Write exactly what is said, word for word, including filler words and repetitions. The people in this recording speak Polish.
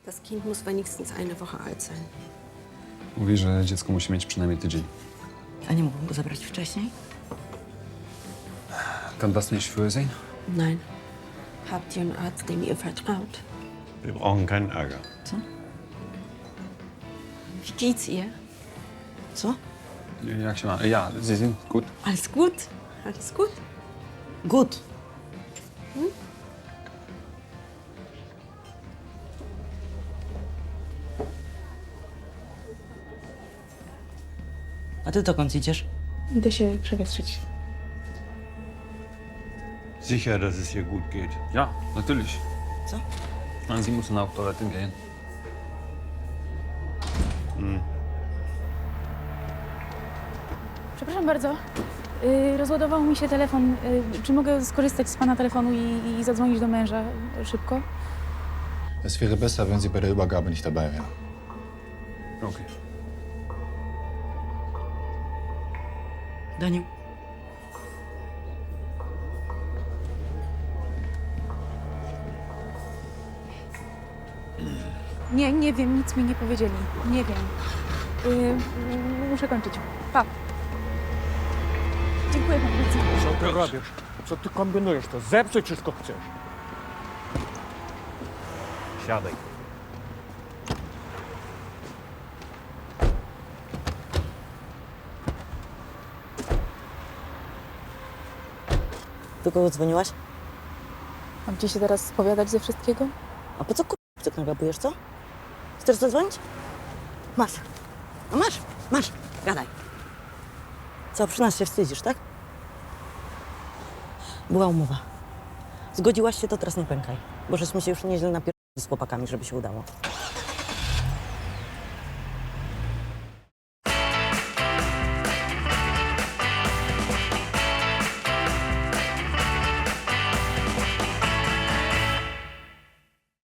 Das Kind muss wenigstens eine Woche alt sein. Mówi, że dziecko musi mieć przynajmniej tydzień. A nie mógłbym go zabrać wcześniej? Kann das nicht früher sein? Nein. Habt ihr einen Arzt, dem ihr vertraut? Wir brauchen keinen Ärger. Co? Wie geht's ihr? Co? Jak się ma? Ja, Sie sind gut. Alles gut? Alles gut? Gut. A ty dokąd idziesz? Idę się przewietrzyć. Sicher, dass es ihr gut geht. Ja, natürlich. Co? Sie müssen auf Toilette gehen. Przepraszam bardzo. Yy, rozładował mi się telefon. Yy, czy mogę skorzystać z pana telefonu i, i zadzwonić do męża szybko? Es wäre besser, wenn Sie bei der Übergabe nicht dabei wären. Okay. Daniu. Nie, nie wiem, nic mi nie powiedzieli. Nie wiem. Yy, muszę kończyć. Pa. Dziękuję panu bardzo. Co ty robisz? Co ty kombinujesz? To zepsuć wszystko chcesz. Siadaj. Do kogo dzwoniłaś? Mam ci się teraz spowiadać ze wszystkiego? A po co kur... tak nagabujesz, co? Chcesz zadzwonić? Masz. A masz, masz. Gadaj. Co, przy nas się wstydzisz, tak? Była umowa. Zgodziłaś się, to teraz nie pękaj. Bo żeśmy się już nieźle napierdolili z chłopakami, żeby się udało.